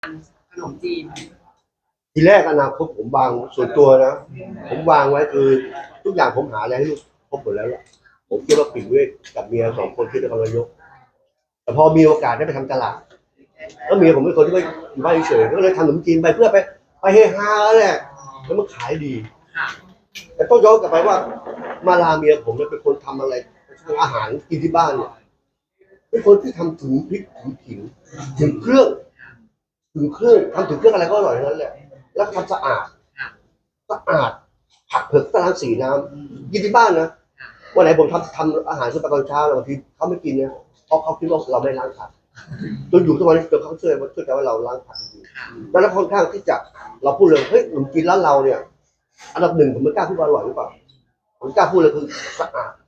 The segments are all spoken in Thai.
ขนมจีนทีแรกอนาคตผมวางส่วนตัวนะผมวางไว้คือทุกอย่างผมหาอะไรให้ลูกครบหมดแล้วล่ะผมคิดว่าปิ่นเวทกับเมีย2 คนที่นครนายกแต่พอมีโอกาสได้ไปทำตลาดแล้วเมียผมเป็นคนที่ไม่อยู่บ้านเฉยๆก็เลยทำขนมจีนไปเพื่อไปเฮฮาแหละแล้วมันขายดีแต่ต้องย้อนกลับไปว่ามาลาเมียผมเนี่ยเป็นคนทำอะไรทำอาหารกินที่บ้านเนี่ยเป็นคนที่ทำถึงพริกถึงขิงถึงเครื่องทำถึงเครื่องอะไรก็อร่อยทั้งนั้นแหละแล้วทำสะอาดผักเผือกตารางสีน้ำกินที่บ้านนะวันไหนผมทำอาหารเช้าตอนเช้าแล้วบางทีเขาไม่กินเนี่ยเพราะเขาคิดว่าเราไม่ล้างผักจนอยู่ทุกวันนี้จนเขาเชื่อใจว่าเราล้างผักจริงๆแล้วค่อนข้างที่จะเราพูดเลยเฮ้ยขนมจีนร้านเราเนี่ยอันดับ 1ผมไม่กล้าพูดว่าอร่อยหรือเปล่าผมกล้าพูดเลยคือสะอาด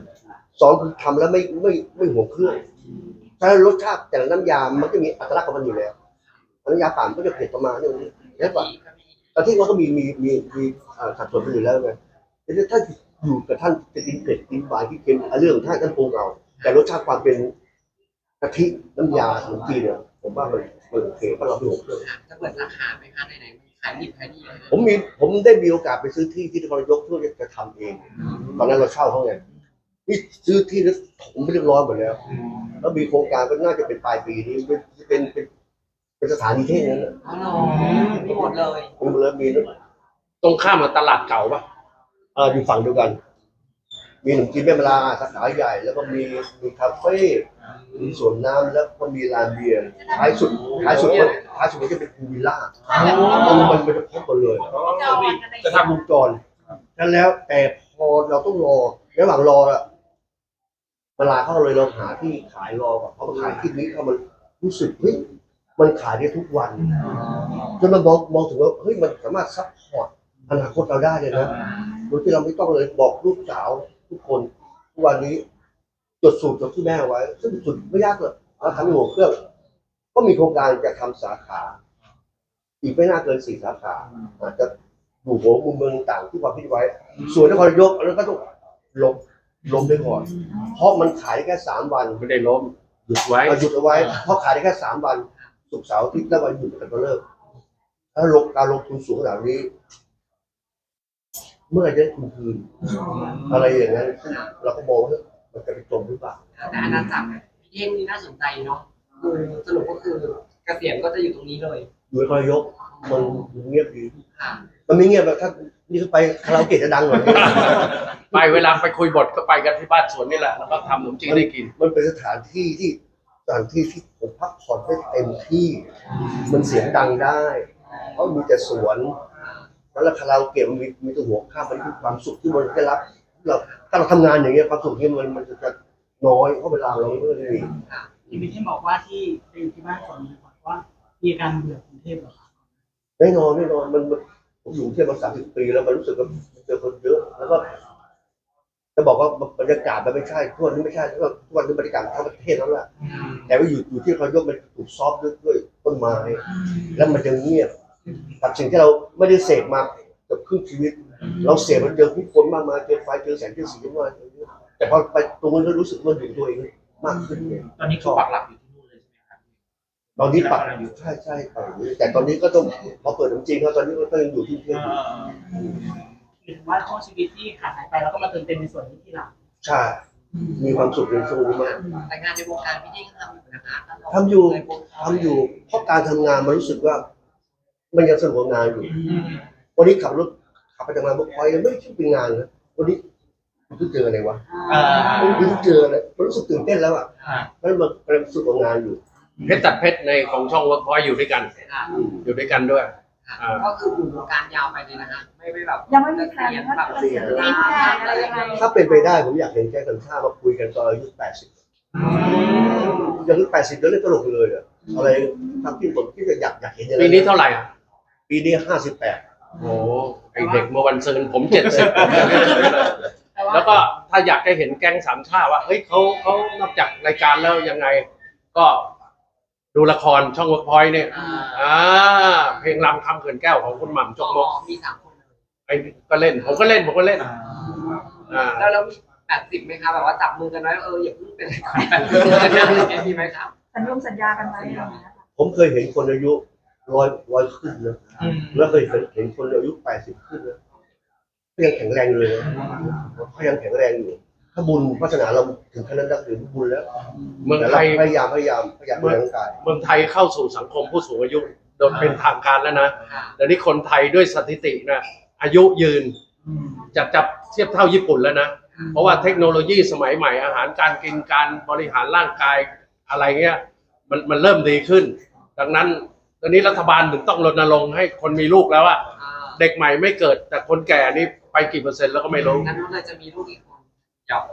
2คือทำแล้วไม่ห่วงเครื่องถ้ารสชาติแต่ละน้ำยามันก็มีอัตลักษณ์ของมันอยู่แล้วน้ำยาป่านก็จะเผ็ดประมาณนี้แล้วก็แต่ที่เขาก็มีสัดส่วนอยู่แล้วไงแต่ถ้าอยู่กับท่านจะกินเผ็ดกินหวานกินเค็มเรื่องของท่านปรุงเอาแต่รสชาติความเป็นกะทิน้ำยาขนมจีนเนี่ยผมว่ามันโอเคเพราะเราไม่ห่วงเครื่องจะเปิดสาขาไหมคะไหนๆขายดิบขายดีเลยผมได้มีโอกาสไปซื้อที่นครนายกเพื่อจะทำเองตอนนั้นเราเช่าเขาไงนี่ซื้อที่แล้วถมไปเรียบร้อยหมดแล้วมีโครงการก็น่าจะเป็นปลายปีนี้เป็นสถานีเท่นั้นอ๋อมีหมดเลยมีตรงข้ามกับตลาดเก่าปะอยู่ฝั่งเดียวกันมีขนมจีนแม่มะลาสาขาใหญ่แล้วก็มีคาเฟ่มีสวนน้ำแล้วก็มีลานเบียร์ท้ายสุดมันจะเป็นพูลวิลล่ามันจะครบหมดเลยจะทำวงจรนั่นแล้วแต่พอเราต้องรอระหว่างรอละเวลาเขาเลยเราหาที่ขายรอก่อนเพราะมันขายที่นี้เขามันรู้สึกเฮ้ยมันขายได้ทุกวันจนมันมองถึงว่าเฮ้ยมันสามารถซัพพอร์ตอนาคตเราได้เลยนะโดยที่เราไม่ต้องเลยบอกลูกสาวทุกคนทุกวันนี้จดสูตรจากที่แม่ไว้ซึ่งสูตรไม่ยากเลยเราทำหัวเครื่องก็มีโครงการจะทำสาขาอีกไม่น่าเกิน4 สาขาอาจจะอยู่หัวมุมเมืองต่างที่ความคิดไว้ส่วนนครนายกแล้วก็ต้องล้มไปก่อนเพราะมันขายได้แค่3 วันไม่ได้ล้มหยุดไว้เอาไว้เพราะขายได้แค่3 วันศุกร์เสาร์อาทิตย์แล้ววันหยุดกันก็เลิกถ้าการลงทุนสูงขนาดนี้เมื่อไรจะได้ทุนคืนอะไรอย่างนั้นเราก็มองว่ามันจะไปจมหรือเปล่าแต่อาณาจักรพี่เท่งนี่น่าสนใจเนาะสรุปก็คือเกษียณก็จะอยู่ตรงนี้เลยอยู่นครนายกมันเงียบดีมันไม่เงียบแบบถ้านี่ไปคาราโอเกะจะดังกว่านี้ไปเวลาไปคุยบทก็ไปกันที่บ้านสวนนี่แหละแล้วก็ทำขนมจีนได้กินมันเป็นสถานที่ที่ผมพักผ่อนได้เต็มที่มันเสียงดังได้เพราะมีแต่สวนแล้วคาราโอเกะมันมีตัวหัวข้ามมันคือความสุขที่มันได้รับเราถ้าเราทำงานอย่างเงี้ยความสุขนี้มันจะน้อยเพราะเวลาเราไม่ได้มีพี่บอกว่าที่ไปอยู่ที่บ้านก่อนดีกว่าว่ามีการเบื่อกรุงเทพหรอครับแน่นอนมันผมอยู่ที่มา30 ปีแล้วมันรู้สึกว่าเจอคนเยอะแล้วก็จะบอกว่าบรรยากาศมันไม่ใช่ทุกวันนี้ไม่ใช่ทุกวันนี้บรรยากาศทั้งประเทศแล้วแหละแต่ว่าอยู่ที่เขายกมันถูกซอฟด้วยต้นไม้แล้วมันจะเงียบกับสิ่งที่เราไม่ได้เสพมาเกือบครึ่งชีวิตเราเสพมันเจอผู้คนมากมายเจอไฟเจอแสงเจอสีมากแต่พอไปตรงนั้นก็รู้สึกว่าอยู่ตัวเองมากขึ้นตอนนี้เขาปักหลักอยู่ที่นู่นเลยใช่ไหมครับตอนนี้ปักอยู่ใช่แต่ตอนนี้ก็ต้องพอเปิดจริงๆแล้วตอนนี้ก็ยังอยู่ที่เที่ยวหรือว่าช่วงชีวิตที่ขาดหายไปแล้วก็มาเติมเต็มในส่วนนี้ที่หลังใช่มีความสุขในช่วงนี้มากแต่งานในวงการพี่เท่งทำอยู่นะคะทำอยู่เพราะการทำงานมันรู้สึกว่ามันยังสนุกกับงานอยู่วันนี้ขับไปทำงานบุกคอยไม่ใช่เป็นงานนะวันนี้มันเจออะไรวะมันเจออะไรมันรู้สึกตื่นเต้นแล้วอ่ะมันรู้สึกกับงานอยู่เพชรตัดเพชรในของช่องเวิร์กพอยต์อยู่ด้วยกันด้วยก็คืออยู่วงการยาวไปเลยนะคะไม่แบบยังไม่มีแผนแบบเสียงอะไรยังไงถ้าเป็นไปได้ผมอยากเห็นแกกันท่ามาคุยกันตอนอายุ80อายุ80แล้วเล่นตลกเลยอ่ะอะไรทำที่ผมที่จะอยากเห็นอะไรปีนี้เท่าไหร่อ่ะปีนี้58 โอ้ไอเด็กเมื่อวันซืนผม70แล้วก็ถ้าอยากจะเห็นแก๊งสามชาติว่าเฮ้ยเขานอกจากรายการแล้วยังไงก็ดูละครช่องเวิร์กพอยต์เนี่ยเพลงรำคำเขื่อนแก้วของคุณหม่ำจกมกมี3 คนไอ้ก็เล่นผมก็เล่นแล้วมี80ไหมคะแบบว่าจับมือกันไว้อย่าเพิ่งเป็น80มีไหมครับสัญญากันไว้ผมเคยเห็นคนอายุร้อยขึ้นนะแล้วเคยเห็นคนอายุ80ขึ้นนะเขายังแข็งแรงเลยนะเขายังแข็งแรงอยู่ถ้าบุญวาสนาเราถึงขั้นนั้นได้ถือบุญแล้วเมืองแต่ไทเรายพยายามดูแลร่างกายเมืองไทยเข้าสู่สังคมผู้สูงอายุโดยเป็นทางการแล้วนะค่ะเดี๋ยวนี้คนไทยด้วยสถิตินะอายุยืนจะเทียบเท่าญี่ปุ่นแล้วนะ เพราะว่าเทคโนโลยีสมัยใหม่อาหารการกินการบริหารร่างกายอะไรเงี้ยมันเริ่มดีขึ้น ดังนั้นตอนนี้รัฐบาลถึงต้องรณรงค์ให้คนมีลูกแล้วอะอ่าเด็กใหม่ไม่เกิดแต่คนแก่นี่ไปกี่เปอร์เซ็นต์แล้วก็ไม่รู้งั้นนู้นเลยจะมีลูกอีกคนหยอก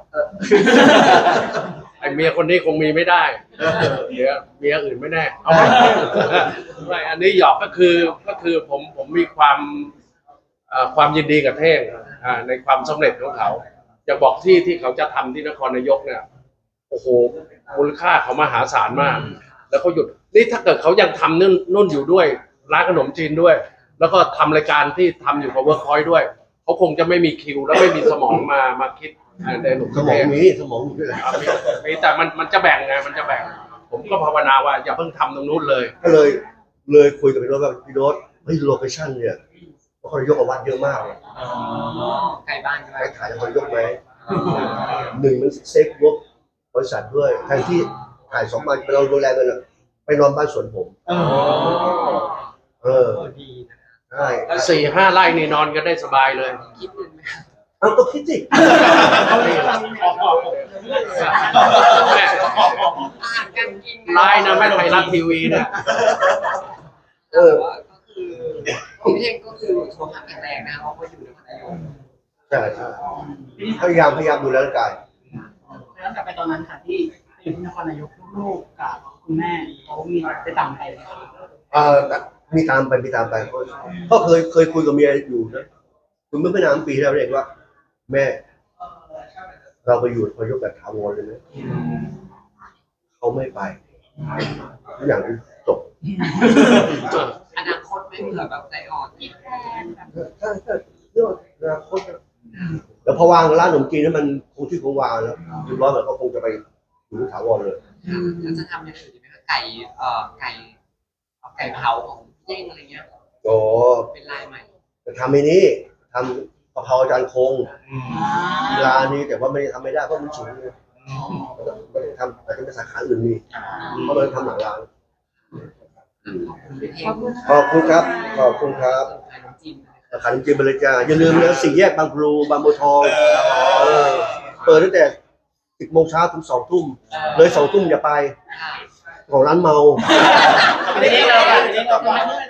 ไอเมียคนนี้คงมีไม่ได้เดี๋ยวเมียอื่นไม่แน่เอาไม่ไม่อันนี้หยอกก็คือผมมีความยินดีกับเท่งในความสำเร็จของเขาจะบอกที่เขาจะทำที่นครนายกเนี่ยโอ้โหมูลค่าเขามหาศาลมาก แล้วเขาหยุดนี่ถ้าเกิดเขายังทำนุ่นอยู่ด้วยร้านขนมจีนด้วย แล้วก็ทำรายการที่ทำอยู่กับเวิร์คพอยต์ด้วยเขาคงจะไม่มีคิวและไม่มีสมองมาคิดในหนุ่มสมองมีสมองอยู่ด้วยแหละมีแต่มันจะแบ่งไงมันจะแบ่ง ผมก็ภาวนาว่าอย่าเพิ่งทำตรงนู้นเลยก็เลยคุยกับพี่โน้ตว่าพี่โน้ตเฮ้ยโลเคชั่นเนี่ยนครนายกกับวัดเยอะมากเลยไกลบ้านใช่ไหมไปขายนครนายกไหมหนึ่งมันเซฟงบบริษัทด้วยแทนที่ขาย2 วันเราดูแลกันอะไปนอนบ้านสวนผมดีนะใช่ 4-5 ไร่นี่นอนกันได้สบายเลยคิดเงินไหมเอาก็คิดสิแม่อาหารการกินไลน์นะแม่ไทยรัฐทีวีเนี่ยแต่ว่าก็คือพี่เท่งก็คือสุขภาพแข็งแรงนะเพราะว่าอยู่ในพัทยาใช่พยายามดูแลร่างกายแล้วกลับไปตอนนั้นค่ะที่อยู่ที่นครนายกลูกๆกับคุณแม่เขามีไปต่างไปไหมคะมีตามไปก็เคยคุยกับเมียอยู่นะคุณเมื่อไม่นานปีที่แล้วเองว่า แม่ เราไปอยู่นครนายกแบบถาวรเลยไหมเขาไม่ไปทุกอย่างจบอนาคตไม่เผื่อแบบใจอ่อนอีกใช่เรื่องอนาคตแล้วพอวางร้านขนมจีนให้มันคงที่คงวางแล้วเรียบร้อยมันก็คงจะไปอยู่ถาวรเลยแล้วจะทำอย่างอื่นดีไหมคะไก่เผาของพี่เท่งอะไรเงี้ยโอ้เป็นลายใหม่จะทำไอ้นี้ทำกะเพราอาจารย์คงร้านนี้แต่ว่าไม่ได้ทำไม่ได้เพราะมันสูงเลยไม่ได้ทำอาจจะเป็นสาขาอื่นมีเพราะมันทำหลังร้านพี่เท่งขอบคุณครับขอบคุณครับขายน้ำจิ้มขายน้ำจิ้มไปเลยจ้าอย่าลืมนะ4 แยกบางพลูบางบัวทองเปิดตั้งแต่10 โมงเช้าถึง2 ทุ่มเลย2 ทุ่มอย่าไปของร้านเมาทีนี้เรา